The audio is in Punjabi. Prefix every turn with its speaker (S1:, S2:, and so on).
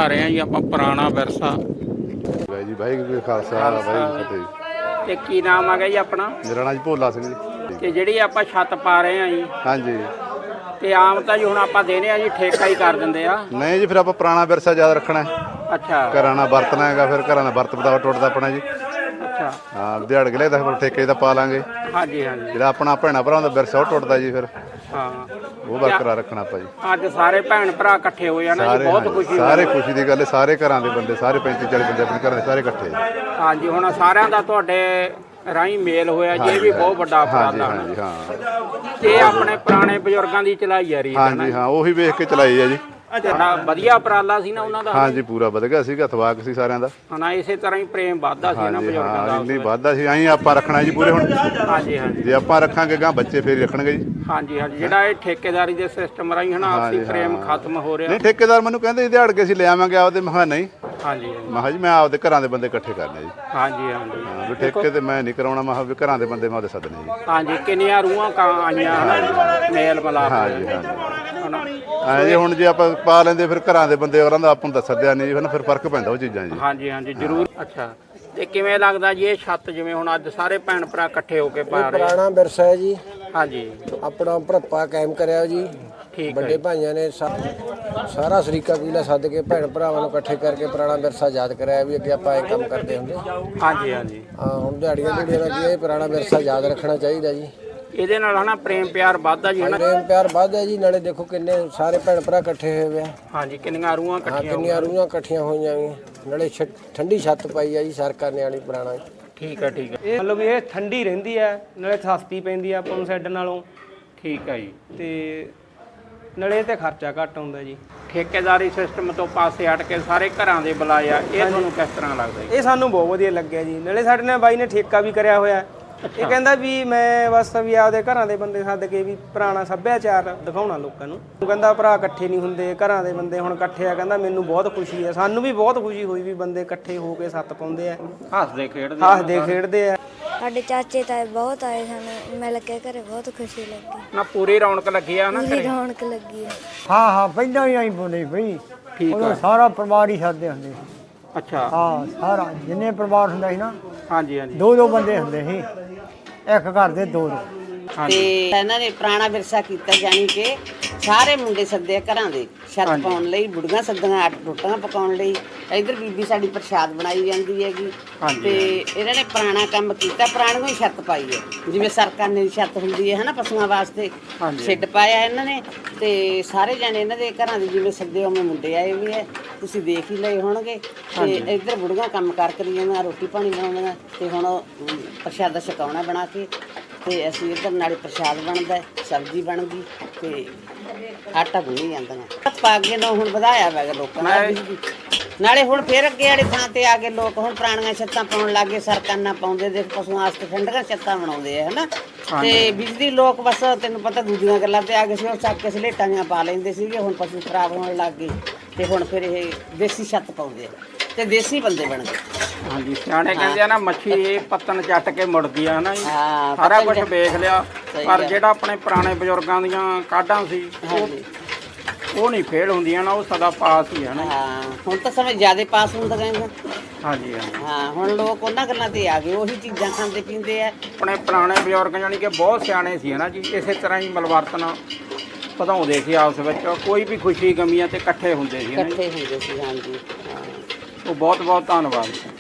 S1: ਰਹੇ ਹਾਂ ਜੀ ਆਪਾਂ ਪੁਰਾਣਾ ਵਿਰਸਾ।
S2: ਵਾਹਿ ਜੀ ਵਾਹਿਗੁਰੂ ਜੀ ਖਾਲਸਾ ਵਾਹਿਗੁਰੂ ਫਤਿਹ।
S1: ਤੇ ਕੀ ਨਾਮ ਆ ਗਿਆ ਜੀ ਆਪਣਾ?
S2: ਮੇਰਾ ਨਾਂ ਜੀ ਭੋਲਾ ਸਿੰਘ ਜੀ।
S1: ਤੇ ਜਿਹੜੀ ਆਪਾਂ ਛੱਤ ਪਾ ਰਹੇ ਹਾਂ ਜੀ,
S2: ਹਾਂਜੀ।
S1: ਤੇ ਆਮ ਤਾਂ ਜੀ ਹੁਣ ਆਪਾਂ ਦੇਣੇ ਆ ਜੀ ਠੇਕਾ ਹੀ ਕਰ ਦਿੰਦੇ ਆ।
S2: ਨਹੀਂ ਜੀ, ਫਿਰ ਆਪਾਂ ਪੁਰਾਣਾ ਵਿਰਸਾ ਯਾਦ ਰੱਖਣਾ ਹੈ।
S1: ਅੱਛਾ।
S2: ਘਰਾਂ ਨਾਲ ਵਰਤਣਾ ਹੈਗਾ, ਫਿਰ ਘਰਾਂ ਦਾ ਵਰਤ ਬਤਾਓ ਟੁੱਟਦਾ ਆਪਣਾ ਜੀ।
S1: ਅੱਛਾ।
S2: ਹਾਂ, ਦਿਹਾੜ ਗਲੇ ਦਾ ਫਿਰ ਠੇਕੇ ਦਾ ਪਾ ਲਾਂਗੇ।
S1: ਹਾਂਜੀ ਹਾਂਜੀ।
S2: ਜਿਹੜਾ ਆਪਣਾ ਭੈਣਾਂ ਭਰਾਵਾਂ ਦਾ ਵਿਰਸਾ ਉਹ ਟੁੱਟਦਾ ਜੀ, ਫਿਰ
S1: ਹਾਂ
S2: ਉਹ ਬਰਕਰਾਰ ਰੱਖਣਾ ਆਪਾਂ ਜੀ।
S1: ਅੱਜ ਸਾਰੇ ਭੈਣ ਭਰਾ ਇਕੱਠੇ ਹੋਏ ਆ ਨਾ ਜੀ, ਬਹੁਤ ਖੁਸ਼ੀ।
S2: ਸਾਰੇ ਖੁਸ਼ੀ ਦੀ ਗੱਲ ਹੈ, ਸਾਰੇ ਘਰਾਂ ਦੇ ਬੰਦੇ, ਸਾਰੇ 35-40 ਬੰਦੇ ਆਪਣੇ ਘਰਾਂ ਦੇ ਸਾਰੇ ਇਕੱਠੇ।
S1: ਹਾਂਜੀ, ਹੁਣ ਸਾਰਿਆਂ ਦਾ ਤੁਹਾਡੇ ਰਾਹੀਂ ਮੇਲ ਹੋਇਆ ਜੀ, ਇਹ ਵੀ ਬਹੁਤ ਵੱਡਾ ਉਪਰਾਲਾ।
S2: ਹਾਂਜੀ ਹਾਂ।
S1: ਤੇ ਆਪਣੇ ਪੁਰਾਣੇ ਬਜ਼ੁਰਗਾਂ ਦੀ ਚਲਾਈ ਆ ਰਹੀ ਹੈ।
S2: ਹਾਂਜੀ ਹਾਂ, ਉਹੀ ਵੇਖ ਕੇ ਚਲਾਈ ਹੈ ਜੀ।
S1: ਬੜਾ ਵਧੀਆ ਉਪਰਾਲਾ ਸੀ ਨਾ ਉਹਨਾਂ ਦਾ।
S2: ਹਾਂਜੀ, ਪੂਰਾ ਵਧ ਗਿਆ ਸੀਗਾ, ਥਵਾਕ ਸੀ ਸਾਰਿਆਂ ਦਾ।
S1: ਹਾਂ, ਇਸੇ ਤਰ੍ਹਾਂ ਹੀ ਪ੍ਰੇਮ ਵੱਧਦਾ ਸੀ ਨਾ ਬਜ਼ੁਰਗਾਂ ਦਾ।
S2: ਇੰਨੀ ਵੱਧਦਾ ਸੀ, ਐਂ ਆਪਾਂ ਰੱਖਣਾ ਜੀ ਪੂਰੇ। ਹੁਣ
S1: ਹਾਂਜੀ ਹਾਂਜੀ,
S2: ਜੇ ਆਪਾਂ ਰੱਖਾਂਗੇ ਗਾਂ ਬੱਚੇ ਫੇਰ ਰੱਖਣਗੇ ਜੀ।
S1: ਹਾਂਜੀ ਹਾਂਜੀ, ਜਿਹੜਾ ਇਹ ਠੇਕੇਦਾਰੀ ਦੇ ਸਿਸਟਮ ਰਾਹੀਂ ਹਨਾ ਆਪਸੀ ਪ੍ਰੇਮ ਖਤਮ ਹੋ ਰਿਹਾ।
S2: ਨਹੀਂ, ਠੇਕੇਦਾਰ ਮੈਨੂੰ ਕਹਿੰਦੇ ਦਿਹਾੜ ਕੇ ਅਸੀਂ ਲੈ ਆਵਾਂਗੇ ਆਪਦੇ। ਮੈਂ ਕਿਹਾ ਨਹੀਂ।
S1: ਹਾਂਜੀ,
S2: ਮੈਂ ਕਿਹਾ ਜੀ ਮੈਂ ਆਪਦੇ ਘਰਾਂ ਦੇ ਬੰਦੇ ਇਕੱਠੇ ਕਰਨੇ ਜੀ।
S1: ਹਾਂਜੀ ਹਾਂਜੀ,
S2: ਵੀ ਠੇਕੇ ਤੇ ਮੈਂ ਨਹੀਂ ਕਰਾਉਣਾ। ਮੈਂ ਕਿਹਾ ਵੀ ਘਰਾਂ ਦੇ ਬੰਦੇ ਮੈਂ ਉਹਦੇ ਸੱਦਣੇ ਜੀ।
S1: ਹਾਂਜੀ, ਕਿੰਨੀਆਂ ਰੂਹਾਂ ਆਈਆਂ ਹਨਾ ਮੇਲ ਮਿਲਾਪ।
S2: ਹਾਂਜੀ ਹਾਂਜੀ, ਐਂ ਜੀ ਹੁਣ ਜੇ ਆਪਾਂ ਪਾ ਲੈਂਦੇ ਫਿਰ ਘਰਾਂ ਦੇ ਬੰਦੇ ਉਹਨਾਂ ਦਾ ਆਪਾਂ ਨੂੰ ਦੱਸਦਿਆ ਨਹੀਂ ਜੀ, ਫਿਰ ਫਰਕ ਪੈਂਦਾ ਉਹ ਚੀਜ਼ਾਂ ਜੀ।
S1: ਹਾਂਜੀ ਹਾਂਜੀ, ਜ਼ਰੂਰ। ਅੱਛਾ, ਤੇ ਕਿਵੇਂ ਲੱਗਦਾ ਜੀ ਇਹ ਛੱਤ ਜਿਵੇਂ ਹੁਣ ਅੱਜ ਸਾਰੇ ਭੈਣ ਭਰਾ ਇਕੱਠੇ ਹੋ ਕੇ ਪਾ ਰਹੇ?
S3: ਪੁਰਾਣਾ ਵਿਰਸਾ ਹੈ ਜੀ।
S1: ਹਾਂਜੀ,
S3: ਆਪਣਾ ਭੜੱਪਾ ਕਾਇਮ ਕਰਿਆ ਜੀ।
S1: ਠੀਕ।
S3: ਵੱਡੇ ਭਾਈਆਂ ਨੇ ਸਾਰਾ ਸਰੀਕਾ ਕਬੀਲਾ ਸੱਦ ਕੇ ਭੈਣ ਭਰਾਵਾਂ ਨੂੰ ਇਕੱਠੇ ਕਰਕੇ ਪੁਰਾਣਾ ਵਿਰਸਾ ਯਾਦ ਕਰਾਇਆ ਵੀ ਅੱਗੇ ਆਪਾਂ ਇਹ ਕੰਮ ਕਰਦੇ ਹੁੰਦੇ।
S1: ਹਾਂਜੀ ਹਾਂਜੀ,
S3: ਹੁਣ ਦਿਹਾੜੀਆਂ ਦਾ ਕੀ ਇਹ ਪੁਰਾਣਾ ਵਿਰਸਾ ਯਾਦ ਰੱਖਣਾ ਚਾਹੀਦਾ ਜੀ।
S1: ਇਹਦੇ ਨਾਲ ਹਨਾ ਪ੍ਰੇਮ ਪਿਆਰ ਵੱਧਦਾ ਜੀ ਹਨਾ।
S3: ਪ੍ਰੇਮ ਪਿਆਰ ਵੱਧਦਾ ਜੀ, ਨਾਲੇ ਦੇਖੋ ਕਿੰਨੇ ਸਾਰੇ ਭੈਣ ਭਰਾ ਇਕੱਠੇ ਹੋਏ ਵੇ ਆ।
S1: ਹਾਂਜੀ, ਕਿੰਨੀਆਂ ਰੂਹਾਂ ਇਕੱਠੀਆਂ।
S3: ਕਿੰਨੀਆਂ ਰੂਹਾਂ ਇਕੱਠੀਆਂ ਹੋਈਆਂ ਵੀ, ਨਾਲੇ ਠੰਡੀ ਛੱਤ ਪਾਈ ਆ ਜੀ ਸਰਕਾਰ ਨੇ ਵਾਲੀ ਪੁਰਾਣਾ।
S1: ਠੀਕ ਹੈ ਠੀਕ ਹੈ,
S4: ਇਹ ਮਤਲਬ ਇਹ ਠੰਡੀ ਰਹਿੰਦੀ ਹੈ, ਨਾਲੇ ਸਸਤੀ ਪੈਂਦੀ ਆ ਆਪਾਂ ਨੂੰ ਸ਼ੈੱਡ ਨਾਲੋਂ।
S1: ਠੀਕ ਹੈ ਜੀ।
S4: ਤੇ ਨਾਲੇ ਤੇ ਖਰਚਾ ਘੱਟ ਆਉਂਦਾ ਜੀ।
S1: ਠੇਕੇਦਾਰੀ ਸਿਸਟਮ ਤੋਂ ਪਾਸੇ ਹਟ ਕੇ ਸਾਰੇ ਘਰਾਂ ਦੇ ਬੁਲਾਏ ਆ, ਇਹ ਤੁਹਾਨੂੰ ਕਿਸ ਤਰ੍ਹਾਂ ਲੱਗਦਾ ਜੀ?
S4: ਇਹ ਸਾਨੂੰ ਬਹੁਤ ਵਧੀਆ ਲੱਗਿਆ ਜੀ। ਨਾਲੇ ਸਾਡੇ ਨਾਲ ਬਾਈ ਨੇ ਠੇਕਾ ਵੀ ਕਰਿਆ ਹੋਇਆ। ਇਹ ਕਹਿੰਦਾ ਵੀ ਮੈਂ ਬਸ ਵੀ ਆਪਦੇ ਘਰਾਂ ਦੇ ਬੰਦੇ ਸੱਦ ਕੇ ਵੀ ਪੁਰਾਣਾ ਸੱਭਿਆਚਾਰ ਦਿਖਾਉਣਾ ਲੋਕਾਂ ਨੂੰ। ਉਹ ਕਹਿੰਦਾ ਭਰਾ ਇਕੱਠੇ ਨਹੀਂ ਹੁੰਦੇ, ਘਰਾਂ ਦੇ ਬੰਦੇ ਹੁਣ ਇਕੱਠੇ ਆ। ਕਹਿੰਦਾ ਮੈਨੂੰ ਬਹੁਤ ਖੁਸ਼ੀ ਹੈ, ਸਾਨੂੰ ਵੀ ਬਹੁਤ ਖੁਸ਼ੀ ਹੋਈ ਵੀ ਬੰਦੇ ਇਕੱਠੇ ਹੋ ਕੇ ਸੱਤ ਪਾਉਂਦੇ ਆ,
S1: ਹੱਸਦੇ ਖੇਡਦੇ
S4: ਆ।
S5: ਸਾਡੇ ਚਾਚੇ ਤਾਏ ਬਹੁਤ ਆਏ, ਸਾਨੂੰ ਮਿਲ ਕੇ ਘਰੇ ਬਹੁਤ ਖੁਸ਼ੀ ਲੱਗੀ।
S1: ਨਾ ਪੂਰੀ ਰੌਣਕ ਲੱਗੀ ਆ ਨਾ
S5: ਪੂਰੀ ਰੌਣਕ ਲੱਗੀ ਹੈ।
S6: ਹਾਂ ਪਹਿਲਾਂ ਹੀ ਆਈ ਬੋਲੇ ਬਈ।
S1: ਠੀਕ
S6: ਉਦੋਂ
S1: ਆ।
S6: ਸਾਰਾ ਪਰਿਵਾਰ ਹੀ ਸਾਦੇ ਹੁੰਦੇ ਸੀ।
S1: ਅੱਛਾ।
S6: ਹਾਂ, ਸਾਰਾ ਜਿੰਨੇ ਪਰਿਵਾਰ ਹੁੰਦਾ ਸੀ ਨਾ,
S1: ਹਾਂਜੀ ਹਾਂਜੀ,
S6: ਦੋ ਬੰਦੇ ਹੁੰਦੇ ਸੀ ਇੱਕ ਘਰ ਦੇ ਦੋ।
S7: ਤੇ ਇਹਨਾਂ ਨੇ ਪੁਰਾਣਾ ਵਿਰਸਾ ਕੀਤਾ, ਜਾਨੀ ਕਿ ਸਾਰੇ ਮੁੰਡੇ ਸੱਦੇ ਘਰਾਂ ਦੇ ਛੱਤ ਪਾਉਣ ਲਈ, ਬੁੜੀਆਂ ਸੱਦੀਆਂ ਆਟ ਰੋਟੀਆਂ ਪਕਾਉਣ ਲਈ। ਇਧਰ ਬੀਬੀ ਸਾਡੀ ਪ੍ਰਸ਼ਾਦ ਬਣਾਈ ਜਾਂਦੀ ਹੈਗੀ। ਤੇ ਇਹਨਾਂ ਨੇ ਪੁਰਾਣਾ ਕੰਮ ਕੀਤਾ, ਪੁਰਾਣੀਆਂ ਹੀ ਛੱਤ ਪਾਈ ਹੈ। ਜਿਵੇਂ ਸਰਕਾਰ ਨੇ ਛੱਤ ਹੁੰਦੀ ਹੈ ਹਨਾ ਪਸ਼ੂਆਂ ਵਾਸਤੇ, ਸ਼ੈੱਡ ਪਾਇਆ ਇਹਨਾਂ ਨੇ। ਤੇ ਸਾਰੇ ਜਾਣੇ ਇਹਨਾਂ ਦੇ ਘਰਾਂ ਦੇ ਜਿਵੇਂ ਸੱਦੇ ਉਵੇਂ ਮੁੰਡੇ ਆਏ ਵੀ ਹੈ, ਤੁਸੀਂ ਦੇਖ ਹੀ ਲਏ ਹੋਣਗੇ। ਤੇ ਇੱਧਰ ਬੁੜੀਆਂ ਕੰਮ ਕਾਰ ਕਰੀ ਜਾਂਦੀਆਂ, ਰੋਟੀ ਪਾਣੀ ਬਣਾਉਂਦੀਆਂ। ਤੇ ਹੁਣ ਪ੍ਰਸ਼ਾਦਾ ਛਕਾਉਣਾ ਬਣਾ ਕੇ, ਤੇ ਅਸੀਂ ਇੱਧਰ ਨਾਲੇ ਪ੍ਰਸ਼ਾਦ ਬਣਦਾ, ਸਬਜ਼ੀ ਬਣ ਗਈ, ਤੇ ਆਟਾ ਗੁੰਨੀ ਜਾਂਦੀਆਂ। ਪਾ ਕੇ ਨਾ ਹੁਣ ਵਧਾਇਆ ਵਾ ਲੋਕਾਂ ਨੇ। ਨਾਲੇ ਹੁਣ ਫਿਰ ਅੱਗੇ ਵਾਲੇ ਥਾਂ ਤੇ ਆ ਕੇ ਲੋਕ ਹੁਣ ਪੁਰਾਣੀਆਂ ਛੱਤਾਂ ਪਾਉਣ ਲੱਗ ਗਏ, ਸਰਕਾਨਾਂ ਪਾਉਂਦੇ, ਦੇਖ ਪਸ਼ੂਆਂ ਵਾਸਤੇ ਠੰਡੀਆਂ ਛੱਤਾਂ ਬਣਾਉਂਦੇ ਆ ਹਨਾ। ਤੇ ਬਿਜਲੀ ਲੋਕ ਬਸ ਤੈਨੂੰ ਪਤਾ ਦੂਜੀਆਂ ਗੱਲਾਂ ਤੇ ਆ ਗਏ ਸੀ, ਉਹ ਚੱਕ ਕੇ ਸਲੇਟਾਂ ਦੀਆਂ ਪਾ ਲੈਂਦੇ ਸੀਗੇ। ਹੁਣ ਪਸ਼ੂ ਖਰਾਬ ਹੋਣ ਲੱਗ ਗਏ, ਤੇ ਹੁਣ ਫਿਰ ਇਹ ਦੇਸੀ ਛੱਤ ਪਾਉਂਦੇ ਆ, ਤੇ ਦੇਸੀ ਬੰਦੇ ਬਣ ਗਏ।
S1: ਹਾਂਜੀ, ਸਿਆਣੇ ਕਹਿੰਦੇ ਆ ਨਾ ਮੱਛੀ ਪੱਤਨ ਚੱਟ ਕੇ ਮੁੜਦੀ ਆ ਨਾ ਜੀ। ਸਾਰਾ ਕੁਝ ਵੇਖ ਲਿਆ, ਪਰ ਜਿਹੜਾ ਆਪਣੇ ਪੁਰਾਣੇ ਬਜ਼ੁਰਗਾਂ ਦੀਆਂ ਕਾਢਾਂ ਸੀ ਉਹ ਨਹੀਂ ਫੇਲ ਹੁੰਦੀਆਂ ਨਾ, ਉਹ ਸਦਾ ਪਾਸ ਹੀ ਹੈ ਨਾ।
S7: ਹੁਣ ਤਾਂ ਸਮੇਂ ਜ਼ਿਆਦਾ ਪਾਸ ਹੁੰਦਾ ਕਹਿੰਦਾ।
S1: ਹਾਂਜੀ
S7: ਹਾਂ, ਹੁਣ ਲੋਕ ਉਹਨਾਂ ਗੱਲਾਂ ਤੇ ਆ ਗਏ, ਉਹੀ ਚੀਜ਼ਾਂ ਖਾਂਦੇ ਪੀਂਦੇ ਆ।
S1: ਆਪਣੇ ਪੁਰਾਣੇ ਬਜ਼ੁਰਗ ਜਾਨੀ ਕਿ ਬਹੁਤ ਸਿਆਣੇ ਸੀ ਨਾ ਜੀ, ਇਸੇ ਤਰ੍ਹਾਂ ਹੀ ਮਿਲਵਰਤਨ ਵਧਾਉਂਦੇ ਸੀ ਆਪਸ ਵਿੱਚ। ਕੋਈ ਵੀ ਖੁਸ਼ੀ ਗਮੀਆਂ ਤੇ ਇਕੱਠੇ ਹੁੰਦੇ ਸੀ।
S7: ਇਕੱਠੇ ਹੁੰਦੇ ਸੀ, ਹਾਂਜੀ।
S1: ਉਹ ਬਹੁਤ ਬਹੁਤ ਧੰਨਵਾਦ।